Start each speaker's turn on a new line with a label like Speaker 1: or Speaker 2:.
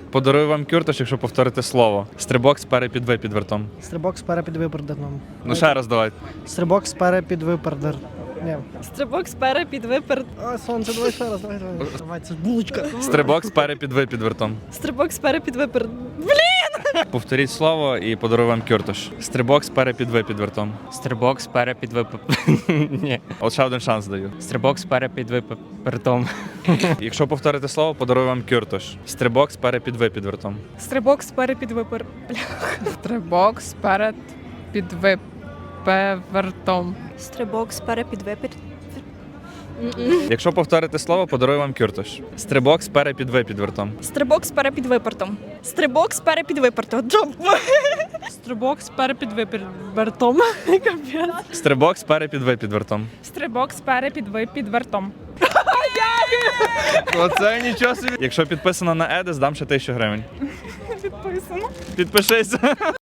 Speaker 1: Подарую вам кюртош, якщо повторите слово. Стрибок сперед під ви під вертом.
Speaker 2: Стрибок сперед під випердерном.
Speaker 1: Ну ще раз давайте.
Speaker 2: Стрибок сперед під випердер. Ні.
Speaker 3: Стрибок сперед під виперед.
Speaker 2: А, сонце, давай ще раз, давай. Давай, це ж булочка.
Speaker 1: Стрибок сперед під ви під вертом.
Speaker 3: Стрибок сперед під виперед.
Speaker 1: Повторіть слово і подарую вам кюртош. Стрибок сперед під ви під вертом.
Speaker 4: Стрибок сперед під Ні.
Speaker 1: От ще один шанс даю.
Speaker 4: Стрибок сперед під випертом.
Speaker 1: Якщо повторите слово, подарую вам кюртош. Стрибок сперед під ви під вертом.
Speaker 3: Стрибок сперед під виперед.
Speaker 5: Стрибок сперед під випевертом.
Speaker 3: Стрибок сперед під виперед.
Speaker 1: Якщо повторите слово, подарую вам кюртош. Стрибок сперед під ви під вертом.
Speaker 3: Стрибок сперед під випертом. Стрибок сперед під випертом. Стрибок сперед під випертом.
Speaker 1: Стрибок сперед під ви під вертом.
Speaker 5: Стрибок сперед під вертом.
Speaker 1: Оце нічого собі. Якщо підписано на Едес, дам ще 1000 гривень.
Speaker 5: Підписано.
Speaker 1: Підпишись.